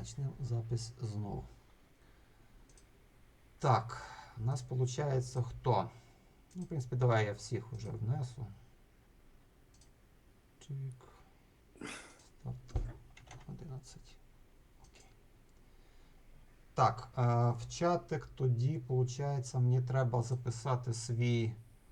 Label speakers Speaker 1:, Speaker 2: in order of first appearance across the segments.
Speaker 1: Почнемо запис знову. Так, у нас виходить хто? Ну, в принципі, давай я всіх уже внесу. Чик. Старт 11. Окей. Так, в чатик тоді, виходить, мені треба записати свій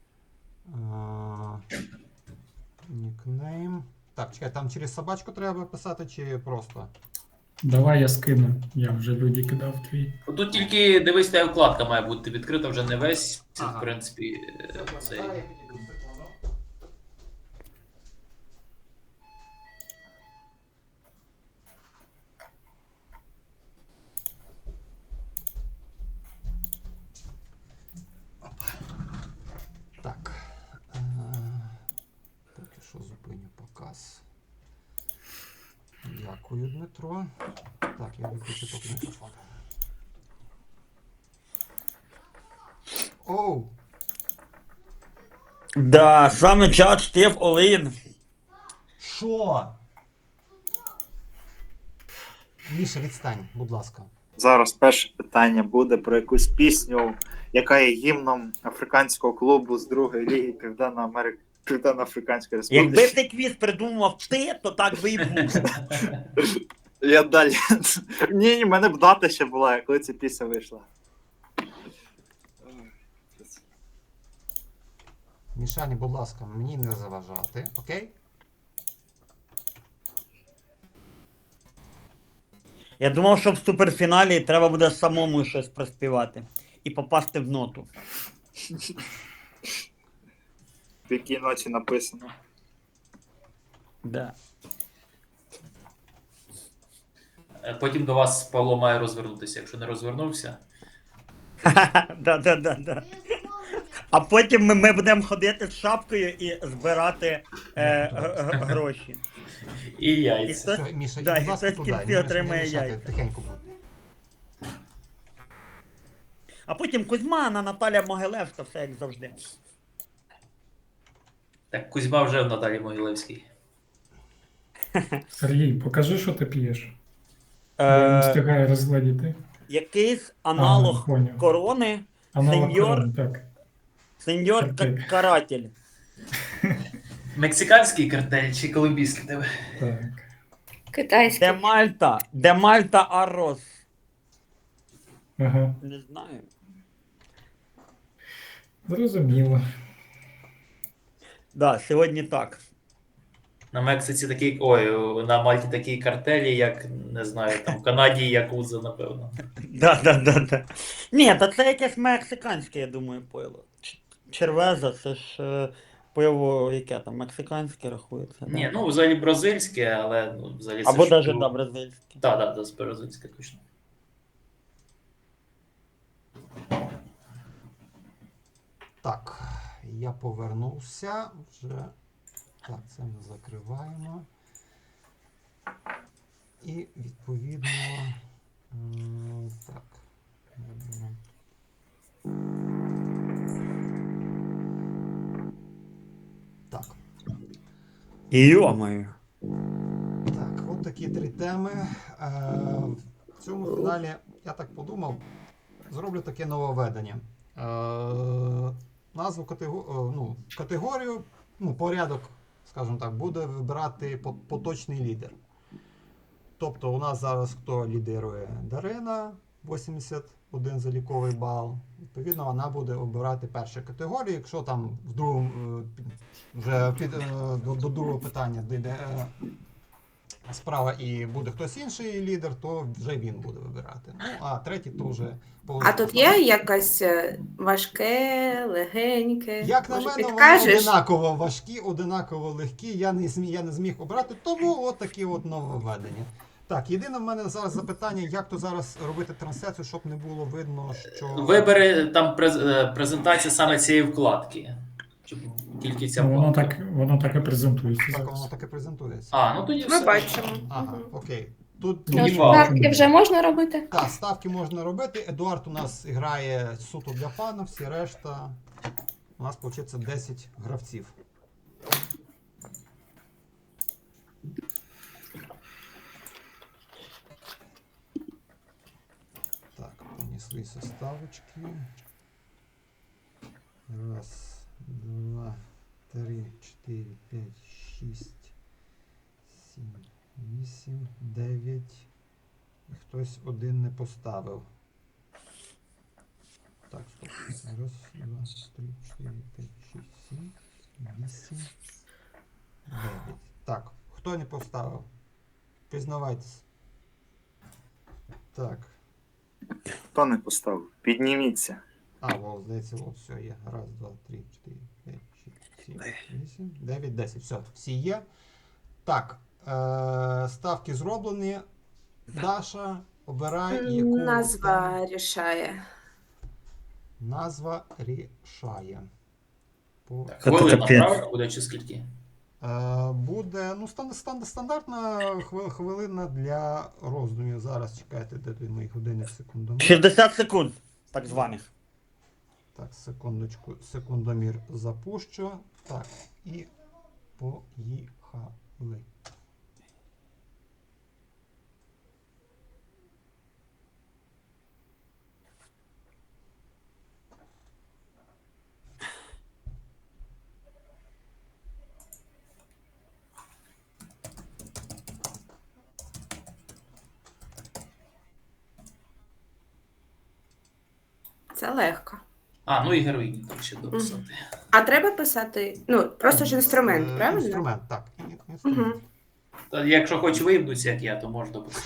Speaker 1: нікнейм. Так, чекай, там через собачку треба писати чи просто?
Speaker 2: Давай я скину. Я вже люди кидав твій.
Speaker 3: Тут тільки дивись, та вкладка має бути відкрита вже не весь. Це,
Speaker 1: Ага.
Speaker 3: в принципі,
Speaker 1: Все,
Speaker 3: цей.
Speaker 1: я підійду секунду. Опа. Так. Поки що зупиню показ. Дякую, Дмитро. Так, я виключу поки мікрофон. Оу!
Speaker 4: Да, саме час Стеф Олин.
Speaker 1: Що? Міша, відстань, будь ласка.
Speaker 5: Зараз перше питання буде про якусь пісню, яка є гімном африканського клубу з другої ліги Південно-Африканської
Speaker 4: Якби
Speaker 5: Республіки.
Speaker 4: цей квіз придумав ти, то так би і був.
Speaker 5: Я далі. Ні, в мене б дата ще була, коли ця пісня вийшла.
Speaker 1: Мішані, будь ласка, мені не заважати, окей?
Speaker 4: Я думав, що в суперфіналі треба буде самому щось проспівати і попасти в ноту.
Speaker 5: В якій ночі написано.
Speaker 4: Да.
Speaker 3: Потім до вас Павло має розвернутися. Якщо не розвернувся,
Speaker 4: Да. А потім ми будемо ходити з шапкою і збирати гроші.
Speaker 3: і
Speaker 4: І
Speaker 3: яйця.
Speaker 4: хтось,
Speaker 1: Все, Міша,
Speaker 4: да,
Speaker 1: будь
Speaker 4: і
Speaker 1: ласка,
Speaker 4: хтось в
Speaker 1: туди.
Speaker 4: кінці
Speaker 1: Не
Speaker 4: отримає
Speaker 1: мішати,
Speaker 4: яйця.
Speaker 1: тихенько будь.
Speaker 4: А потім Кузьма, Наталя Могилевська, все як завжди.
Speaker 3: Так, Кузьма вже в Наталі Могилевській.
Speaker 2: Сергій, покажи, що ти п'єш. Я не
Speaker 4: Е,
Speaker 2: встигаю розглядіти.
Speaker 4: якийсь аналог
Speaker 2: поняв.
Speaker 4: корони,
Speaker 2: Аналог
Speaker 4: сеньор-
Speaker 2: корони, так.
Speaker 4: сеньор
Speaker 2: Картель.
Speaker 4: Каратель.
Speaker 3: Мексиканський картель чи колумбійський тебе?
Speaker 2: Так.
Speaker 6: Китайський.
Speaker 4: Де Мальта Аррос.
Speaker 2: Ага.
Speaker 4: Не знаю.
Speaker 2: Зрозуміло.
Speaker 4: Да, сьогодні так.
Speaker 3: На Мексиці такий. Ой, на Мальті такі картелі, як не знаю, там в Канаді Якуза, напевно.
Speaker 4: Да. Ні, та це якесь мексиканське, я думаю, пиво. Червеза, це ж пиво, яке там, мексиканське рахується.
Speaker 3: Ні,
Speaker 4: Да?
Speaker 3: ну взагалі бразильське, але ну, взагалі
Speaker 4: Або
Speaker 3: ж
Speaker 4: навіть
Speaker 3: пиво.
Speaker 4: да, бразильське.
Speaker 3: Так, бразильське точно.
Speaker 1: Так, я повернувся вже. Так, це ми закриваємо. І відповідно. Так. Так.
Speaker 4: Йо-моє.
Speaker 1: Так, от такі три теми. В цьому фіналі, я так подумав, зроблю таке нововведення. Назву категорію, порядок, скажімо так, буде вибирати поточний лідер. Тобто у нас зараз хто лідирує? Дарина, 81 заліковий бал. Відповідно, вона буде обирати першу категорію. Якщо там в другому, вже до другого питання дійде справа і буде хтось інший лідер, то вже він буде вибирати. Ну, а третій то вже
Speaker 6: А тут є якась важке, легеньке?
Speaker 1: Як на
Speaker 6: Може,
Speaker 1: мене, вони
Speaker 6: підкажеш?
Speaker 1: одинаково важкі, одинаково легкі. Я не зміг обрати, тому от такі от нововведення. Так, єдине в мене зараз запитання, як то зараз робити трансляцію, щоб не було видно, що...
Speaker 3: Вибери там презентація саме цієї вкладки. Щоб тільки ця
Speaker 2: Ну,
Speaker 3: вкладка.
Speaker 2: воно так і презентується.
Speaker 1: Так,
Speaker 2: зараз.
Speaker 1: воно таке презентується.
Speaker 3: А, ну тоді
Speaker 6: Ми
Speaker 3: все.
Speaker 6: бачимо.
Speaker 1: Ага, окей. Тут
Speaker 2: Ну,
Speaker 3: Ні,
Speaker 6: Ставки вже можна робити?
Speaker 1: так, ставки можна робити. Едуард у нас грає суто для фану, всі решта. У нас, виходить, 10 гравців. свої составочки. Раз, два, три, 4, 5, 6, 7, 8, 9. І хтось один не поставив. Так, стоп. Раз, два, 3, 4, 5, 6, 7, 8, 9. Так, хто не поставив? Признавайтесь. Так.
Speaker 5: Хто не поставив? Підніміться.
Speaker 1: О, здається, все є. Раз, два, 3, 4, 5, 6, 7, 8, 9, 10. Все, всі є. Так, ставки зроблені. Даша, обирай, яку
Speaker 6: Назва рішає.
Speaker 1: назва рішає.
Speaker 4: Це
Speaker 3: Хвилина,
Speaker 4: капець.
Speaker 3: правильно буде чи скільки?
Speaker 1: Буде стандартна хвилина для роздумів. Зараз чекайте, де той мої години секундомір.
Speaker 4: 60 секунд, так званих.
Speaker 1: Так, секундочку, секундомір запущу. Так, і поїхали.
Speaker 6: Це легко.
Speaker 3: Ну і героїні там ще дописати.
Speaker 6: А треба писати, ну, просто ж інструмент, правильно?
Speaker 1: Інструмент, так. Інструмент.
Speaker 6: Угу.
Speaker 3: Та якщо хоч виїбнуться, як я, то можна дописати.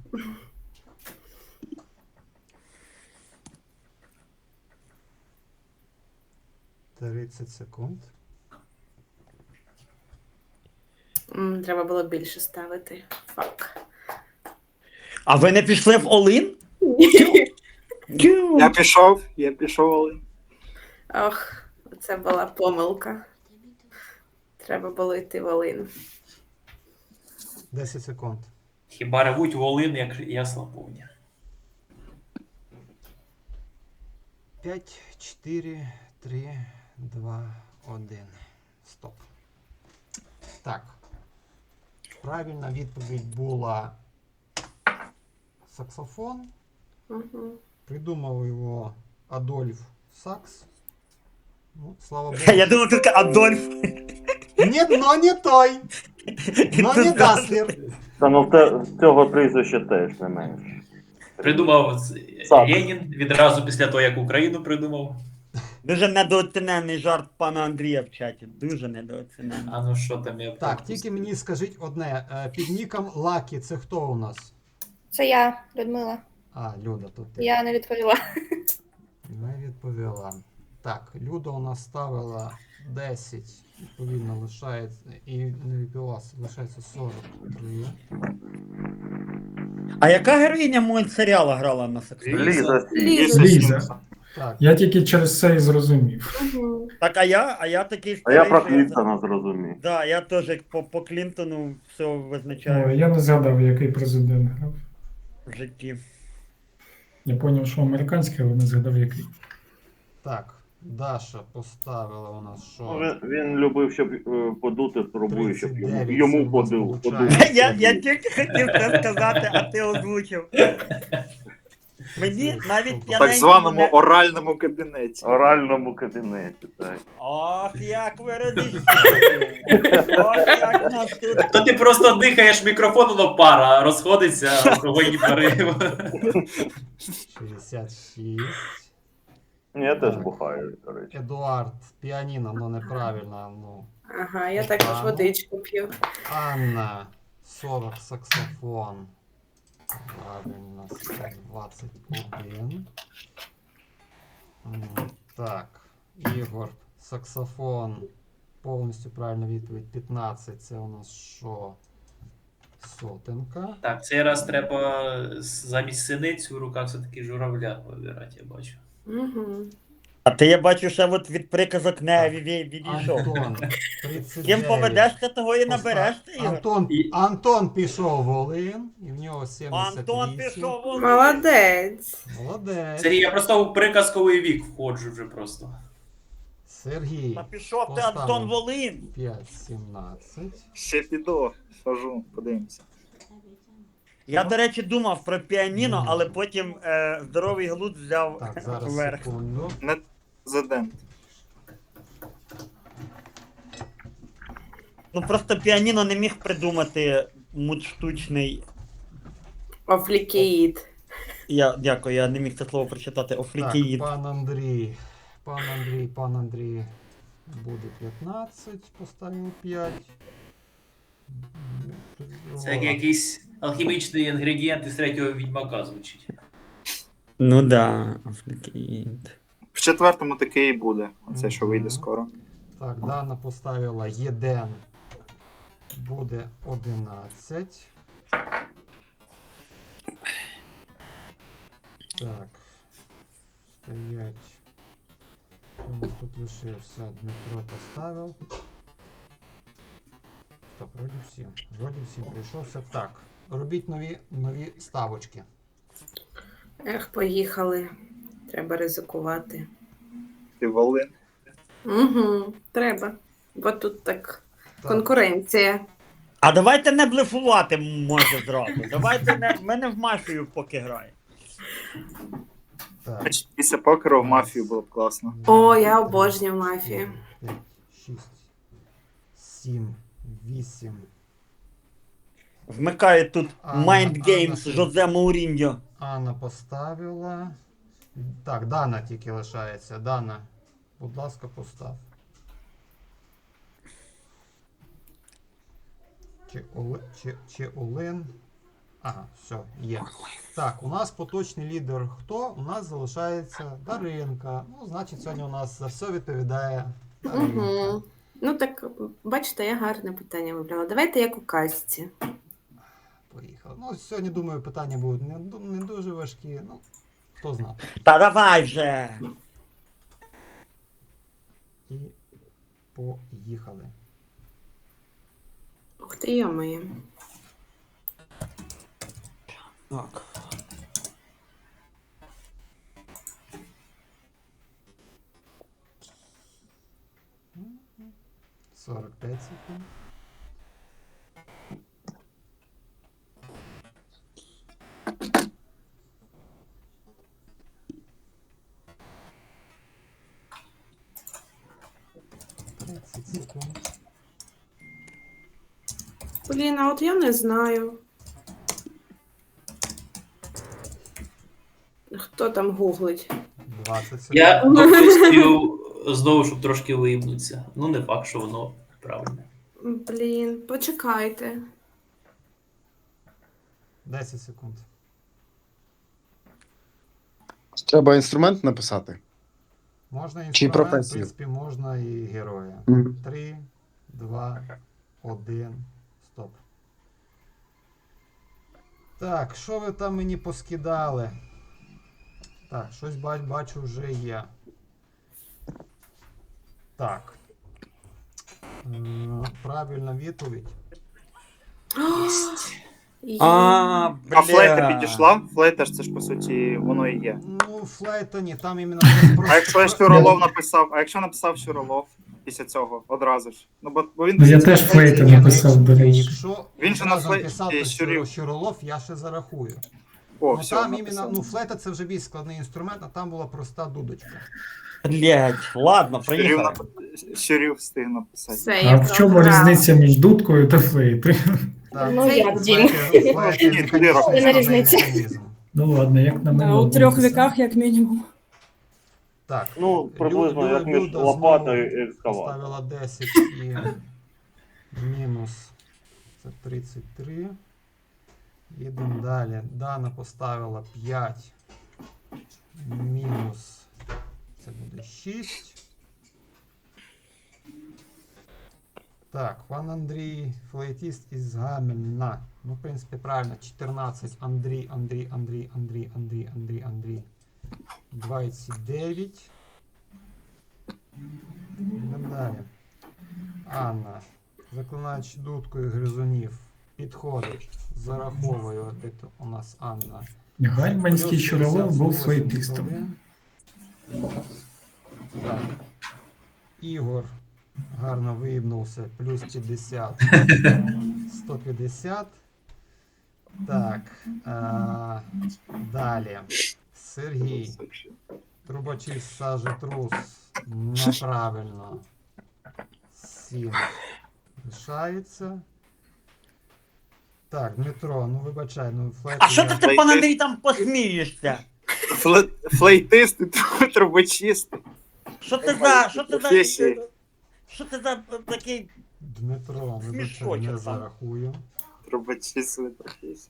Speaker 1: Угу. 30 секунд.
Speaker 6: Треба було більше ставити. Фак.
Speaker 4: А ви не пішли в Олин?
Speaker 5: Я пішов, Олень.
Speaker 6: Ох, це була помилка. Треба було йти в Олин.
Speaker 1: 10 секунд.
Speaker 3: Хіба ревуть волин, як ясла повні.
Speaker 1: 5, 4, 3, 2, 1. Стоп. Так. Правильна відповідь була саксофон.
Speaker 6: Угу.
Speaker 1: Придумав його Адольф Сакс. Ну, слава Богу.
Speaker 4: Я думав, тільки Адольф.
Speaker 1: Ні, но не той. Но не Гаслер.
Speaker 7: Та ну цього прізвища теж не менше.
Speaker 3: Придумав
Speaker 7: Сам.
Speaker 3: Ленін відразу після того, як Україну придумав.
Speaker 4: Дуже недооцінений жарт пана Андрія в чаті. Дуже недооцінений.
Speaker 3: А ну що там я
Speaker 1: Так,
Speaker 3: пропустив?
Speaker 1: тільки мені скажіть одне. Під ніком Лакі це хто у нас?
Speaker 6: Це я, Людмила.
Speaker 1: Люда, то ти.
Speaker 6: Я не відповіла.
Speaker 1: Не відповіла. Так, Люда у нас ставила 10, відповідно лишається, і не відповіла, лишається 43.
Speaker 4: А яка героїня мультсеріалу грала на саксофоні?
Speaker 7: Ліза.
Speaker 2: Ліза.
Speaker 1: Так,
Speaker 2: Я тільки через це і зрозумів.
Speaker 6: Угу.
Speaker 4: Так, а я такий
Speaker 7: А я
Speaker 4: старий,
Speaker 7: про
Speaker 4: що я
Speaker 7: Клінтона зрозумів.
Speaker 4: Да, я теж як по Клінтону все
Speaker 2: О,
Speaker 4: визначаю
Speaker 2: я не згадав, який президент грав.
Speaker 4: в житті.
Speaker 2: Я зрозумів, що американський, але не згадав, який.
Speaker 1: так, Даша поставила у нас
Speaker 7: Ну,
Speaker 1: що?
Speaker 7: він любив, щоб подути трубою, щоб
Speaker 1: 39
Speaker 7: йому
Speaker 1: це
Speaker 7: подув.
Speaker 1: у нас получається.
Speaker 4: Я тільки хотів це сказати, а ти озвучив. Мені навіть
Speaker 5: В
Speaker 4: п'яненький
Speaker 5: так званому
Speaker 4: не-
Speaker 5: оральному кабінеті.
Speaker 7: В оральному кабінеті, так.
Speaker 4: Ох, як ви родичі. Ох, як нас тут.
Speaker 3: То ти просто дихаєш мікрофон, воно пара, розходиться, алкогольні пари.
Speaker 1: 66.
Speaker 7: Я теж бухаю, до речі.
Speaker 1: Едуард, піаніно, ну неправильно. Ну.
Speaker 6: Ага, я також водичку п'ю.
Speaker 1: Анна, 40, саксофон. Правильно, 121. Так, Ігор, саксофон. Повністю правильна відповідь 15. Це у нас що? Сотенка.
Speaker 3: Так, цей раз треба замість синиць у руках все-таки журавля вибирати, я бачу.
Speaker 6: Угу.
Speaker 4: А ти, я бачу, ще от від приказок не відійшов.
Speaker 1: Антон, 39.
Speaker 4: Ким поведешся, того і набереш ти, Ігор.
Speaker 1: Антон пішов в Волин, і в нього 78.
Speaker 4: Антон пішов вон.
Speaker 6: Молодець.
Speaker 1: Молодець.
Speaker 3: Сергій, я просто у приказковий вік входжу вже просто.
Speaker 1: Сергій.
Speaker 4: Та пішов ти,
Speaker 1: Поставив.
Speaker 4: Антон Волин.
Speaker 1: 5, 17.
Speaker 5: Ще піду, схожу, подивимося.
Speaker 4: Я, до речі, думав про піаніно, але потім здоровий глузд взяв
Speaker 1: Так, зараз
Speaker 4: вверх.
Speaker 1: секунду.
Speaker 5: Не президент.
Speaker 4: Ну просто піаніно не міг придумати мут штучний.
Speaker 6: Офлікеїд.
Speaker 4: Дякую, я не міг це слово прочитати.
Speaker 1: Так,
Speaker 4: Офлікеїд.
Speaker 1: пан Андрій буде 15, поставив 5.
Speaker 3: Це як якийсь алхімічний інгредієнт із третього відьмака звучить.
Speaker 4: Ну да, офлікеїд.
Speaker 5: В четвертому таке і буде. Оце, що вийде
Speaker 1: Мгм.
Speaker 5: скоро.
Speaker 1: Так, Дана поставила Єден. Буде 11. Так. Стоять. Хто у нас тут лишився? Дмитро поставив. Стоп, вроді всім прийшовся. Так. Робіть нові ставочки.
Speaker 6: Ех, поїхали. Треба ризикувати.
Speaker 5: Ти Волин.
Speaker 6: Угу, треба. Бо тут так
Speaker 1: Так.
Speaker 6: конкуренція.
Speaker 4: А давайте не блефувати може зразу. Давайте не. Ми не в мафію поки граємо.
Speaker 1: Так.
Speaker 5: Значить, після покеру в мафію було б класно.
Speaker 6: О, я обожнюю мафію.
Speaker 1: 5, 6, 7, 8.
Speaker 4: Вмикає тут
Speaker 1: Анна,
Speaker 4: Mind Games
Speaker 1: Анна,
Speaker 4: Жозе Мауріньо.
Speaker 1: Анна поставила. Так, Дана тільки лишається. Дана, будь ласка, постав. Чи Олен. Ага, все, є. Так, у нас поточний лідер хто? У нас залишається Даринка. Ну, значить, сьогодні у нас за все відповідає Даринка.
Speaker 6: Угу. Ну так, бачите, я гарне питання вибрала. Давайте як у казці.
Speaker 1: Поїхали. Ну, сьогодні, думаю, питання будуть не дуже важкі. Ну, хто знає.
Speaker 4: Та давай вже!
Speaker 1: І поїхали.
Speaker 6: Ух ти, йомає.
Speaker 4: Так.
Speaker 1: Мгм. 45 секунд. Секунд.
Speaker 6: Блін, а от я не знаю. Хто там гуглить?
Speaker 1: 20 секунд.
Speaker 3: Я допустив знову, щоб трошки виїбнутися. Ну, не факт, що воно правильне.
Speaker 6: Блін, почекайте.
Speaker 1: 10 секунд.
Speaker 8: Треба інструмент написати.
Speaker 1: Можна
Speaker 8: Чи
Speaker 1: інструмент, в
Speaker 8: професію?
Speaker 1: принципі, можна і героя.
Speaker 8: Мгм.
Speaker 1: 3, 2, 1, стоп. Так, що ви там мені поскидали? Так, щось бачу вже є. Так. Правильна відповідь.
Speaker 6: Є.
Speaker 4: А,
Speaker 5: А флейта
Speaker 4: бля.
Speaker 5: підійшла? Флейта ж це ж по суті воно і є.
Speaker 1: Ну, флейта ні, там іменно
Speaker 5: А якщо Щуролов написав, а якщо написав Щуролов після цього одразу ж? Ну бо він
Speaker 2: Ну, я теж флейта написав, до речі.
Speaker 1: Якщо
Speaker 5: Він же на
Speaker 1: одразу
Speaker 5: флей-
Speaker 1: написав
Speaker 5: і
Speaker 1: то
Speaker 5: Щурів.
Speaker 1: Щуролов, я ще зарахую.
Speaker 5: О,
Speaker 1: Ну
Speaker 5: все,
Speaker 1: там
Speaker 5: написав.
Speaker 1: іменно, ну флейта це вже більш складний інструмент, а там була проста дудочка.
Speaker 4: Блять, ладно, приїхали.
Speaker 5: Щурів встиг написати.
Speaker 6: Все,
Speaker 2: А
Speaker 6: я
Speaker 2: в чому
Speaker 6: програла.
Speaker 2: різниця між дудкою та флейтою?
Speaker 1: Так,
Speaker 9: Ну,
Speaker 1: це
Speaker 9: як, Дім?
Speaker 1: флейта
Speaker 5: Ні,
Speaker 1: механічний
Speaker 5: Яка
Speaker 9: різниця?
Speaker 1: механізм.
Speaker 2: Ну ладно, як на мене.
Speaker 9: У 3 віках, як мінімум.
Speaker 1: Так,
Speaker 7: Ну, приблизно як між
Speaker 1: Люда
Speaker 7: лопатою
Speaker 1: знову
Speaker 7: і екскаватором.
Speaker 1: поставила 10 і мінус це 33. Їдемо далі. Дана поставила 5. Мінус це буде 6. Так, пан Андрій, флейтіст із Гамельна. Ну, в принципі, правильно, 14. Андрій. 29. Йдемо далі. Анна. Заклинач дудкою гризунів. Підходить. Зараховую. Де то у нас Анна.
Speaker 2: Гальманський
Speaker 1: Плюс
Speaker 2: Щуролов був
Speaker 1: 58
Speaker 2: флейтистом.
Speaker 1: хвилин. Так. Ігор гарно виїбнувся. Плюс 50. 150. Так. Далі. Сергій. Трубочист сажетрус. Неправильно. 7 лишається. Так, Дмитро, ну вибачай, ну флейт.
Speaker 4: А що ти, пан Андрій, там посмієшся?
Speaker 5: Флейтист і трубочист.
Speaker 4: Що ти за.
Speaker 5: Професії.
Speaker 4: Що ти за такий.
Speaker 1: Дмитро, вибачай,
Speaker 4: Смішочок
Speaker 1: не
Speaker 4: там.
Speaker 1: зарахую.
Speaker 5: Трубочист професії.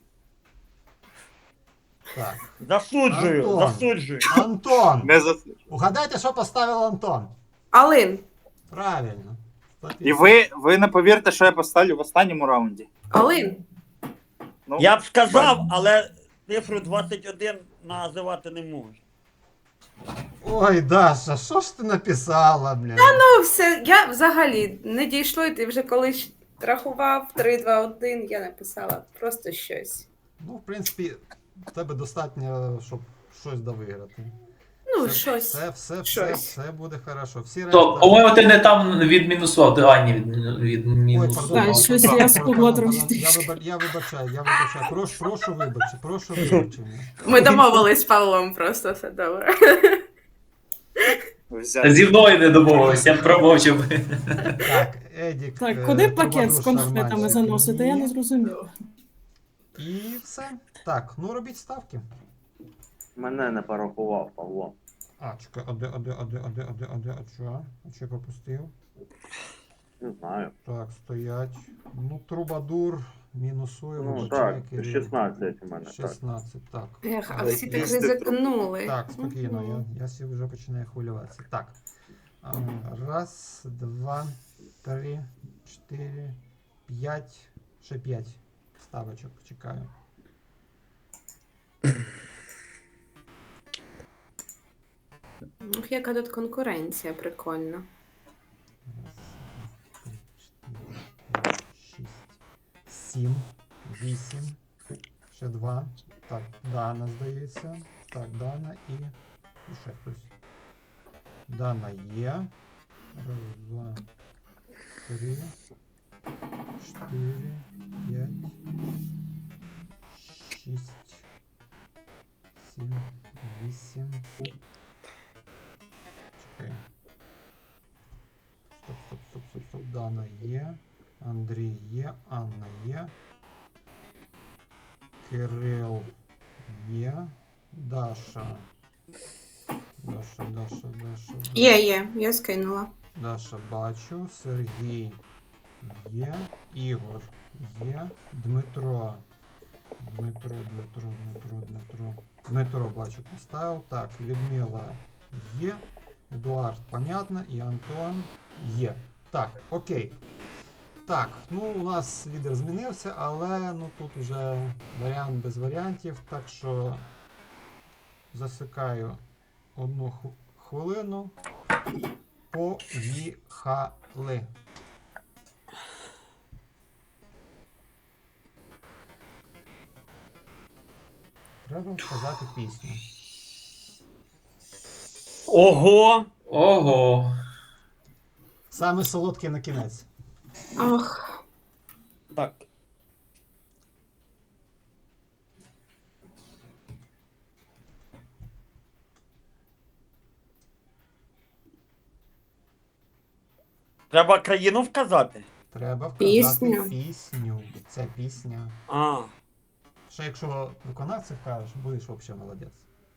Speaker 1: Так.
Speaker 4: Засуджую,
Speaker 1: Антон.
Speaker 4: засуджую.
Speaker 1: Антон!
Speaker 5: Не за...
Speaker 1: Угадайте, що поставив Антон?
Speaker 6: Алин.
Speaker 1: Правильно.
Speaker 5: І ви не повірте, що я поставлю в останньому раунді.
Speaker 6: Алин.
Speaker 5: Ну,
Speaker 4: Я б сказав, але цифру 21 називати не можу.
Speaker 1: Ой, Даша, що ж ти написала, блін?
Speaker 6: Ну, все, я взагалі не дійшло, і ти вже колись рахував 3, 2, 1, я написала просто щось.
Speaker 1: Ну, в принципі, в тебе достатньо, щоб щось довиграти.
Speaker 6: Ну, щось. Щось.
Speaker 1: Все буде хорошо. Всі
Speaker 3: То, по-моєму, ти не там відмінусував, ти Ані
Speaker 1: Ой,
Speaker 3: відмінусував.
Speaker 1: пардон,
Speaker 9: щось
Speaker 1: пардон,
Speaker 9: я
Speaker 1: пардон,
Speaker 9: спугла
Speaker 1: пардон,
Speaker 9: трошки.
Speaker 1: Я вибачаю. Прошу вибачення.
Speaker 6: Ми домовились з Павлом, просто все добре.
Speaker 5: взяти.
Speaker 3: Зі мною не домовилися, я промовчав.
Speaker 1: Так, Едік.
Speaker 9: Так, куди пакет з
Speaker 1: Трубадур,
Speaker 9: конфетами
Speaker 1: Шарманщик
Speaker 9: заносити? Я
Speaker 1: ні.
Speaker 9: не зрозумів.
Speaker 1: І все. Так, ну робіть ставки.
Speaker 7: Мене не порахував, Павло.
Speaker 1: А, чекай, а що? А що я пропустив?
Speaker 7: Не знаю.
Speaker 1: Так, стоять. Ну, Трубадур мінусує.
Speaker 7: Ну
Speaker 1: вибачай,
Speaker 7: так,
Speaker 1: Кирил.
Speaker 7: 16 у мене. Так.
Speaker 1: 16, так.
Speaker 6: Ех, а
Speaker 5: Але
Speaker 6: всі так
Speaker 5: їсти
Speaker 6: ризикнули.
Speaker 1: Так, спокійно, я сі вже починаю хвилюватися. Так. Раз, два, три, 4, 5. Ще 5 ставочок чекаю.
Speaker 6: Ух, яка тут конкуренція, прикольно.
Speaker 1: Раз, 6, 7, 8, ще 2. Так, Дана, здається. Так, Дана і ще хтось. Дана є. Раз, два, 3, 4, 5, 6, 7, 8. Чекай. Стоп. Дана є. Андрій є. Анна є. Кирил є. Даша.
Speaker 6: Є, я скинула.
Speaker 1: Даша бачу. Сергій є. Ігор є. Дмитро. Дмитро бачу поставив. Так, Людмила є. Едуард, понятно. І Антон є. Так, окей. Так, ну у нас лідер змінився, але ну тут вже варіант без варіантів, так що засикаю 1 хвилину. Поїхали. Треба сказати пісню.
Speaker 4: Ого!
Speaker 3: Ого.
Speaker 1: Саме солодке на кінець.
Speaker 6: Ох,
Speaker 4: Так. Треба країну вказати.
Speaker 1: Треба вказати
Speaker 6: Пісню.
Speaker 1: пісню. Це пісня.
Speaker 4: А.
Speaker 1: Ще якщо виконавців кажеш, будеш взагалі молодець.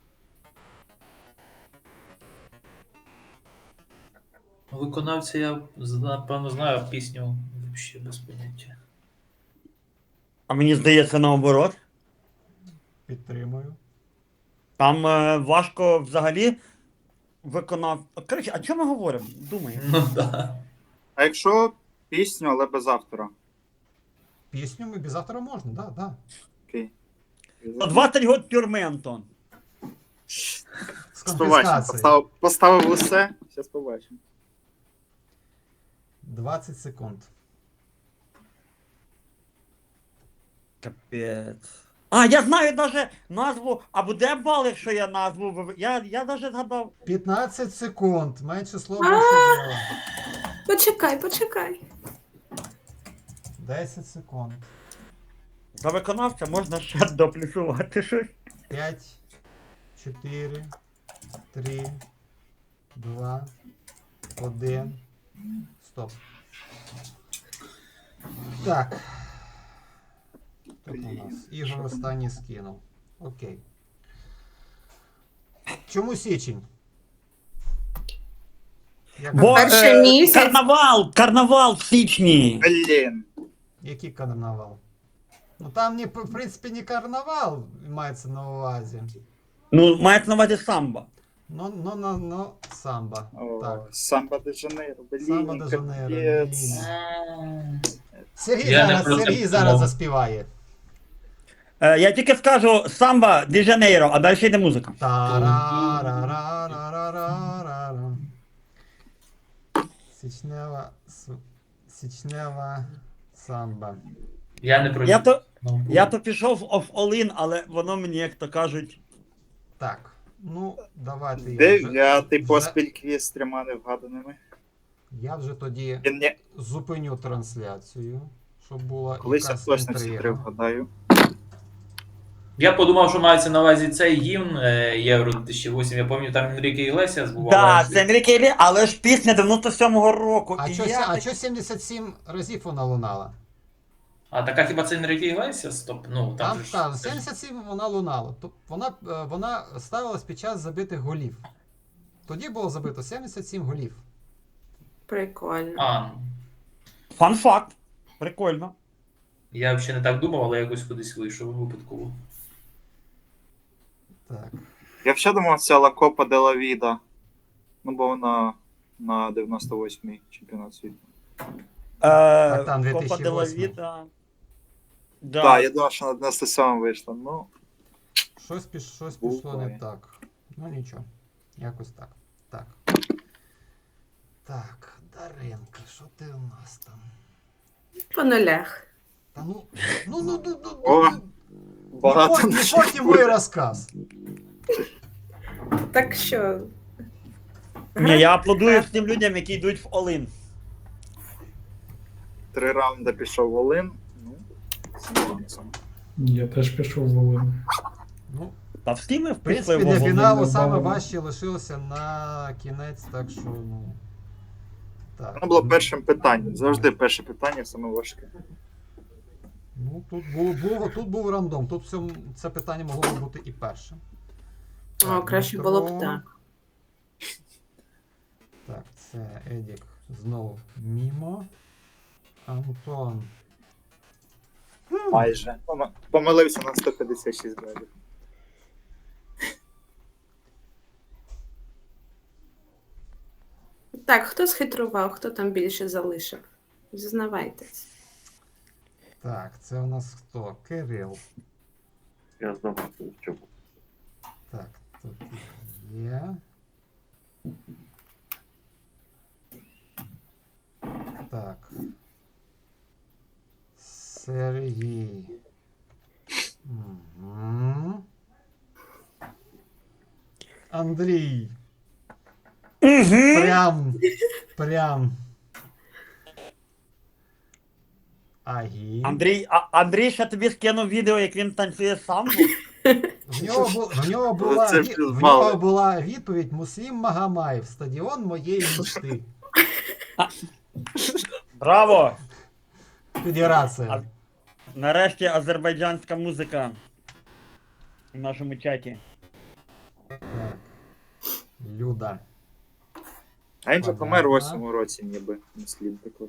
Speaker 3: Виконавця я, напевно, знаю пісню взагалі без поняття.
Speaker 4: А мені здається наоборот.
Speaker 1: Підтримую.
Speaker 4: Там важко взагалі виконав. Коротше, а чому ми говоримо? Думаємо.
Speaker 3: Ну да.
Speaker 5: А якщо пісню, але без автора?
Speaker 1: Пісню ми без автора можна, да, да.
Speaker 5: Окей.
Speaker 4: 20 год тюрми, Антон.
Speaker 1: З
Speaker 5: Побачимо.
Speaker 1: конфіскацією.
Speaker 5: Поставив усе. Зараз побачимо.
Speaker 1: 20 секунд.
Speaker 4: Капець. А, я знаю навіть назву. А буде бал, якщо я назву. Я навіть згадав.
Speaker 1: 15 секунд. Менше слова,
Speaker 6: А!
Speaker 1: більше діла.
Speaker 6: почекай.
Speaker 1: 10 секунд.
Speaker 4: За виконавця можна ще доплюсувати щось.
Speaker 1: 5, 4, 3, 2, 1. Стоп. Так. Тут у нас Ігор останній скинув. Окей. Чому січень? Як-
Speaker 4: Бо
Speaker 6: Перший місяць.
Speaker 4: карнавал в січні.
Speaker 5: Блін.
Speaker 1: Який карнавал? Ну там не, в принципі не карнавал мається на увазі.
Speaker 4: Ну, мається на увазі самбо.
Speaker 1: Ну, самба.
Speaker 5: О,
Speaker 1: Так.
Speaker 5: Самба де Жанейро,
Speaker 1: Самба
Speaker 5: блін,
Speaker 1: де Жанейро,
Speaker 5: капець.
Speaker 1: блін. Сергій
Speaker 3: Я не
Speaker 1: зараз,
Speaker 3: про це
Speaker 1: Сергій зараз
Speaker 3: подумав.
Speaker 1: заспіває.
Speaker 4: Я тільки скажу самбо де Жанейро, а далі йде музика.
Speaker 1: Та-ра-ра-ра-ра-ра-ра. Січнева самба.
Speaker 3: Я не про
Speaker 4: Я то пішов в all-in, але воно мені, як то кажуть,
Speaker 1: Так, ну, давайте я
Speaker 5: Дев'ятий
Speaker 1: вже-
Speaker 5: поспіль квіз з 3 невгаданими.
Speaker 1: Я вже тоді
Speaker 5: Він не...
Speaker 1: зупиню трансляцію, щоб була
Speaker 5: Колись я
Speaker 1: якась
Speaker 5: точно всі 3
Speaker 1: інтрига.
Speaker 5: вгадаю.
Speaker 3: Я подумав, що мається на увазі цей гімн Євро 2008. Я пам'ятаю, там Енріке Іглесіас був.
Speaker 4: да,
Speaker 3: але-
Speaker 4: це Енріке Іглесіас, але ж пісня 97-го року.
Speaker 1: А
Speaker 4: і
Speaker 1: чо,
Speaker 4: я...
Speaker 1: а чо 77 разів вона лунала?
Speaker 3: А така хіба це Енріке Іглесіас? Тобто, ну,
Speaker 1: Там,
Speaker 3: же ж-
Speaker 1: там
Speaker 3: це ж-
Speaker 1: 77 вона лунала. Вона ставилась під час забитих голів. Тоді було забито 77 голів.
Speaker 6: Прикольно.
Speaker 3: А,
Speaker 4: Фан-факт. Прикольно.
Speaker 3: я взагалі не так думав, але якось кудись вийшов випадково.
Speaker 1: Так.
Speaker 5: Я взагалі думав, це Ла Копа де ла Віда. Ну, бо вона на 98-й чемпіонат світу.
Speaker 1: там
Speaker 4: Копа
Speaker 1: 2008.
Speaker 4: де ла Віта. Да.
Speaker 5: Так, я думав, що на 97 вийшла. Ну,
Speaker 1: Щось пішло не
Speaker 5: Буває.
Speaker 1: так. Ну нічого. Якось так. Так. Так, Даренка, що ти у нас там?
Speaker 6: По нулях.
Speaker 1: Та ну.
Speaker 5: О, багато
Speaker 1: Не порти мой розказ.
Speaker 6: Так що.
Speaker 4: Ні, я аплодую тим людям, які йдуть в all-in.
Speaker 5: 3 раунди пішов Волин. Ну, з нюансом.
Speaker 2: Я теж пішов в Волину.
Speaker 1: Ну,
Speaker 4: Та всі ми
Speaker 1: в принципі,
Speaker 4: вписуємо
Speaker 1: для
Speaker 4: в
Speaker 1: фіналу
Speaker 2: Володимир
Speaker 1: саме
Speaker 2: Балабан.
Speaker 1: важче лишилося на кінець, так що, ну. Так.
Speaker 5: Воно було першим питанням. Завжди перше питання саме важке.
Speaker 1: Ну, тут був рандом. Тут це питання могло б бути і першим.
Speaker 6: О,
Speaker 1: Так,
Speaker 6: краще
Speaker 1: Дмитро.
Speaker 6: було б так.
Speaker 1: Так, це Едік знову мімо. Антон.
Speaker 5: Майже. Помилився на 156 балів.
Speaker 6: Так, хто схитрував, хто там більше залишив? Зізнавайтесь.
Speaker 1: Так, це у нас хто? Кирил.
Speaker 7: Я знову чув.
Speaker 1: Так, тут є. Так. Сергій. Угу. Андрій. Прям. Агі.
Speaker 4: Андрій ще тобі скинув відео, як він танцює самбо.
Speaker 1: В нього
Speaker 5: Це
Speaker 1: була відповідь Муслім Магомаєв, стадіон моєї мечти.
Speaker 4: Браво!
Speaker 1: Федерація.
Speaker 4: Нарешті азербайджанська музика в нашому чаті.
Speaker 1: Так. Люда.
Speaker 5: А він же помер у
Speaker 1: Понятно.
Speaker 5: 8-му році, ніби. Не слід також.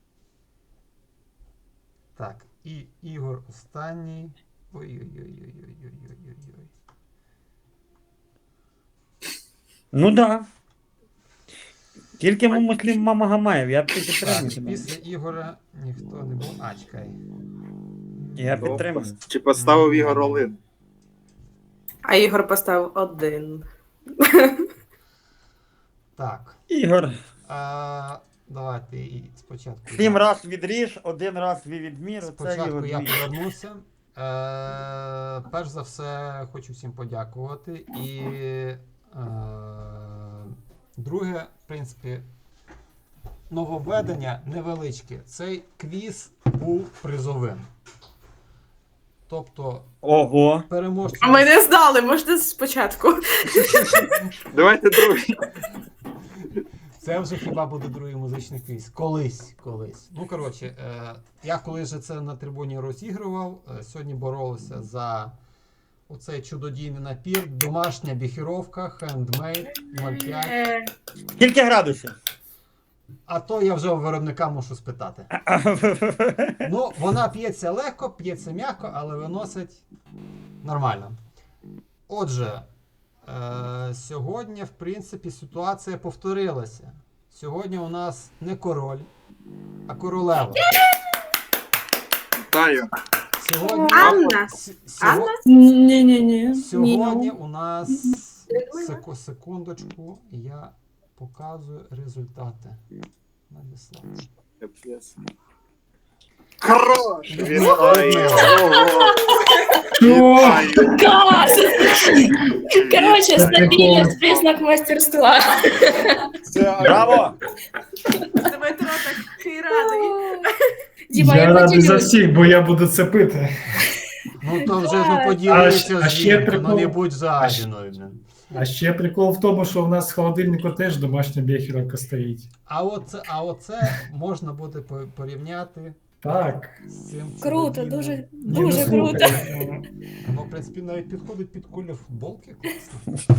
Speaker 1: Так, і Ігор останній. Ой-ой-ой-ой-ой-ой-ой-ой.
Speaker 4: Ну да. Тільки Муслім Магомаєв, я підтримую
Speaker 1: Так,
Speaker 4: тебе.
Speaker 1: після Ігора ніхто не був. А, чекай.
Speaker 4: Я
Speaker 5: Ну,
Speaker 4: підтримую.
Speaker 5: Чи поставив Ігор Олин?
Speaker 6: А Ігор поставив 1.
Speaker 1: Так.
Speaker 4: Ігор,
Speaker 1: Давайте і спочатку.
Speaker 4: 7 раз відріж, 1 раз від міру, це
Speaker 1: Спочатку
Speaker 4: Ігор
Speaker 1: я
Speaker 4: твій.
Speaker 1: повернуся. Перш за все, хочу всім подякувати. І друге, в принципі, нововведення невеличке. Цей квіз був призовим. Тобто
Speaker 4: Ого.
Speaker 1: переможці.
Speaker 6: А ми не знали, можна спочатку.
Speaker 5: Давайте другий.
Speaker 1: Це вже хіба буде другий музичний квіз. Колись. Ну, коротше, я коли вже це на трибуні розігрував, сьогодні боролися за оцей чудодійний напір, домашня біхіровка, хендмейд, 0,5.
Speaker 4: Скільки градусів?
Speaker 1: А то я вже у виробника мушу спитати. Ну, вона п'ється легко, п'ється м'яко, але виносить нормально. Отже, сьогодні, в принципі, ситуація повторилася. Сьогодні у нас не король, а королева.
Speaker 5: Вітаю.
Speaker 1: Сьогодні,
Speaker 6: Анна? Анна?
Speaker 9: Ні-ні-ні.
Speaker 1: сьогодні у нас секундочку, я показую результати. Надіслав.
Speaker 5: Капець. Хорош! Вітаю! Ого! Вітаю!
Speaker 9: Клас! Коротше, стабільність признак мастерства.
Speaker 5: Це
Speaker 4: Браво!
Speaker 6: Дмитро такий радий.
Speaker 9: Діма,
Speaker 2: Я
Speaker 9: я
Speaker 2: радий за
Speaker 9: поділюсь.
Speaker 2: всіх, бо я буду це пити.
Speaker 1: Ну то вже ну, поділися
Speaker 2: А
Speaker 1: з
Speaker 2: ще
Speaker 1: жінкою, ну
Speaker 2: прикол-
Speaker 1: не будь жадіною. блін.
Speaker 2: А ще прикол в тому, що в нас в холодильнику теж домашня бехіровка стоїть.
Speaker 1: А оце можна буде порівняти
Speaker 2: Так.
Speaker 1: з цим.
Speaker 9: Круто,
Speaker 1: чоловіком.
Speaker 9: дуже,
Speaker 2: Ні, ну,
Speaker 9: дуже круто.
Speaker 2: слухай,
Speaker 1: Воно, в принципі, навіть підходить під колір футболки. Класно.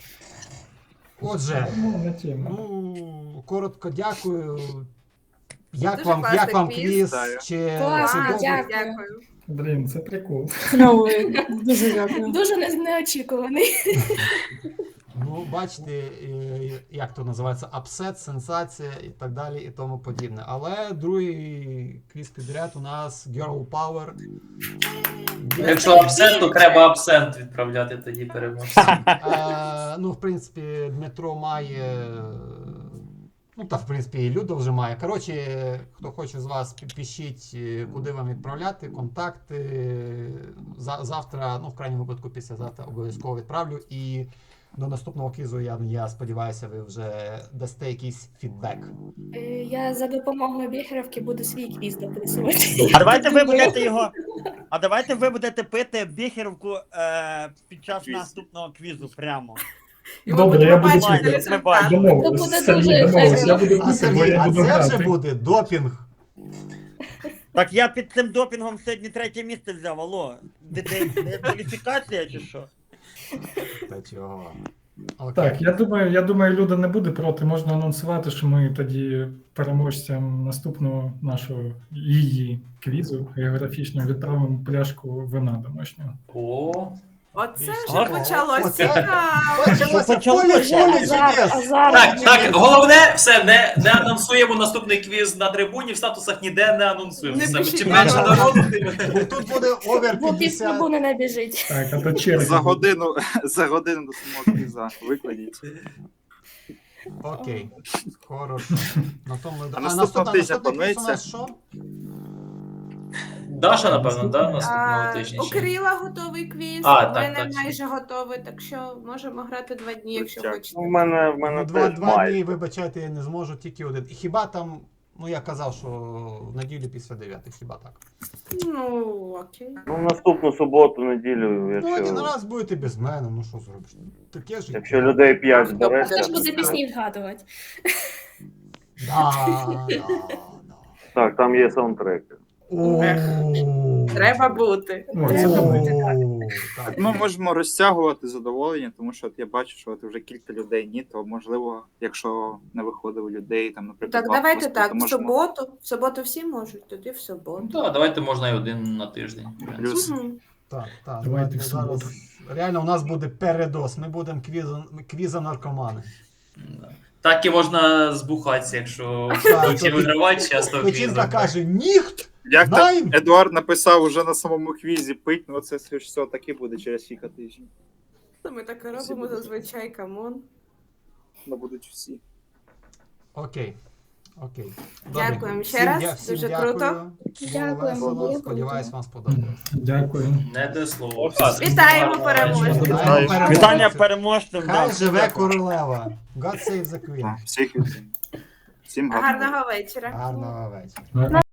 Speaker 1: Отже,
Speaker 2: ну, не тема.
Speaker 1: ну, коротко дякую. Як
Speaker 6: Дуже
Speaker 1: вам
Speaker 6: класний квіз.
Speaker 1: квіз?
Speaker 5: Вітаю.
Speaker 1: Чи
Speaker 9: Клас,
Speaker 1: добре?
Speaker 6: Дякую.
Speaker 2: Блін, це прикол.
Speaker 9: Дуже дякую. Дуже неочікуваний.
Speaker 1: Ну, бачите, як то називається, апсет, сенсація і так далі, і тому подібне. Але другий квіз підряд у нас Girl Power.
Speaker 3: Якщо абсент, то треба абсент відправляти тоді переможцю.
Speaker 1: Ну, в принципі, Дмитро має. Ну, та, в принципі, і Люда вже має. Коротше, хто хоче з вас, пишіть, куди вам відправляти, контакти. Завтра, ну, в крайньому випадку, післязавтра обов'язково відправлю. І до наступного квізу, я сподіваюся, ви вже дасте якийсь фідбек.
Speaker 9: Я за допомогою біхеровки буду свій квіз дописувати.
Speaker 4: А давайте ви будете його. А давайте ви будете пити біхеровку під час
Speaker 5: Квіз.
Speaker 4: наступного квізу прямо.
Speaker 6: І ми
Speaker 2: Добре,
Speaker 6: будемо
Speaker 2: я буду
Speaker 6: бачити
Speaker 4: чекати.
Speaker 6: результат.
Speaker 9: Це
Speaker 2: Домовились.
Speaker 9: буде
Speaker 2: Сергій,
Speaker 9: дуже
Speaker 2: домовились. Я
Speaker 9: ефектно.
Speaker 2: буду
Speaker 1: А
Speaker 2: пити, бо
Speaker 1: Сергій,
Speaker 2: я
Speaker 1: а
Speaker 2: буду
Speaker 1: це вже
Speaker 2: грати.
Speaker 1: буде допінг.
Speaker 4: Так я під цим допінгом сьогодні 3-е місце взяв, алло. Де кваліфікація чи що?
Speaker 1: Та чого? Окей.
Speaker 2: Так, я думаю, Люда не буде проти. Можна анонсувати, що ми тоді переможцям наступного нашого її квізу географічного відправимо пляшку вина домашнього.
Speaker 3: О,
Speaker 6: Оце
Speaker 4: Ага.
Speaker 6: вже почалось
Speaker 1: Оце-
Speaker 6: цікаво.
Speaker 1: Почалося
Speaker 4: Почалося.
Speaker 1: поле
Speaker 9: Азарт,
Speaker 1: чудес.
Speaker 9: азарт.
Speaker 3: так, головне, все, не анонсуємо наступний квіз на трибуні, в статусах ніде не анонсуємо.
Speaker 6: Не
Speaker 3: Саме
Speaker 6: пишіть.
Speaker 3: чим менше
Speaker 1: Ага.
Speaker 3: народу, тим.
Speaker 1: Тут буде овер
Speaker 9: Бо пів
Speaker 1: 50.
Speaker 9: трибуни не біжить.
Speaker 2: Так, а то черги.
Speaker 5: За годину до самого квіза викладіть.
Speaker 1: Окей. Хорошо. На тому...
Speaker 5: наступного тижня
Speaker 1: наступний квіз у
Speaker 5: планується?
Speaker 1: нас що?
Speaker 3: Даша, напевно, да, наступного тижня.
Speaker 6: У
Speaker 3: ще?
Speaker 6: Кирила готовий квіз,
Speaker 3: А,
Speaker 6: у
Speaker 3: так,
Speaker 6: мене
Speaker 3: так.
Speaker 6: майже готовий, так що можемо грати 2 дні, якщо
Speaker 5: Дякую.
Speaker 6: хочете.
Speaker 7: У мене
Speaker 1: Ну,
Speaker 7: теж
Speaker 1: два
Speaker 7: має.
Speaker 1: дні, вибачайте, я не зможу, тільки один. І хіба там, ну я казав, що в неділю після 9, хіба так?
Speaker 6: Ну, окей.
Speaker 7: Ну, наступну суботу, неділю,
Speaker 1: Ну, один
Speaker 7: якщо,
Speaker 1: раз будете без мене, ну що зробиш? Таке ж.
Speaker 7: якщо людей 5
Speaker 6: Хто
Speaker 7: збереться.
Speaker 9: Хто ж буде пісні вгадувати?
Speaker 1: Да.
Speaker 7: Так, там є саундтреки.
Speaker 6: Треба бути.
Speaker 2: О, це добре.
Speaker 1: Так.
Speaker 5: Ми можемо розтягувати задоволення, тому що от я бачу, що от вже кілька людей ні, то можливо, якщо не виходить у людей, там, наприклад,
Speaker 6: Так,
Speaker 5: два
Speaker 6: давайте
Speaker 5: поспіль,
Speaker 6: так,
Speaker 5: то
Speaker 6: в
Speaker 5: можемо-
Speaker 6: суботу всі можуть, тоді в суботу.
Speaker 3: Ну, так, давайте можна і один на тиждень. в принципі.
Speaker 5: Плюс.
Speaker 6: Мгм.
Speaker 1: Так.
Speaker 2: Давайте
Speaker 1: Ми
Speaker 2: в суботу.
Speaker 1: зараз. Реально, у нас буде передос. Ми будемо квіза наркомани.
Speaker 3: Да. Так і можна збухатися, якщо
Speaker 1: Так,
Speaker 3: будуть
Speaker 1: то
Speaker 3: вигравати часто в
Speaker 1: Печінка
Speaker 3: квізах.
Speaker 1: каже, ніхт!
Speaker 5: Як там
Speaker 1: Знаєм.
Speaker 5: Едуард написав уже на самому квізі пить, ну це все таки буде через кілька тижнів.
Speaker 6: Ми так і робимо зазвичай, камон.
Speaker 5: Ну будуть всі.
Speaker 1: Окей. Добре.
Speaker 6: Дякуємо ще раз,
Speaker 1: всім
Speaker 6: дуже
Speaker 1: дякую.
Speaker 6: круто.
Speaker 1: Було
Speaker 9: Дякуємо,
Speaker 1: весело.
Speaker 9: було
Speaker 1: Сподіваюсь,
Speaker 9: круто.
Speaker 1: вам сподобалось.
Speaker 2: Дякую.
Speaker 3: Не до слова.
Speaker 6: Вітаємо переможців.
Speaker 1: Вітаємо
Speaker 4: Вітання переможцям.
Speaker 1: Хай
Speaker 4: да.
Speaker 1: живе королева. God save the Queen.
Speaker 5: Всіх вітаю. Всім гарного.
Speaker 6: Гарного вечора.
Speaker 1: Гарного вечора.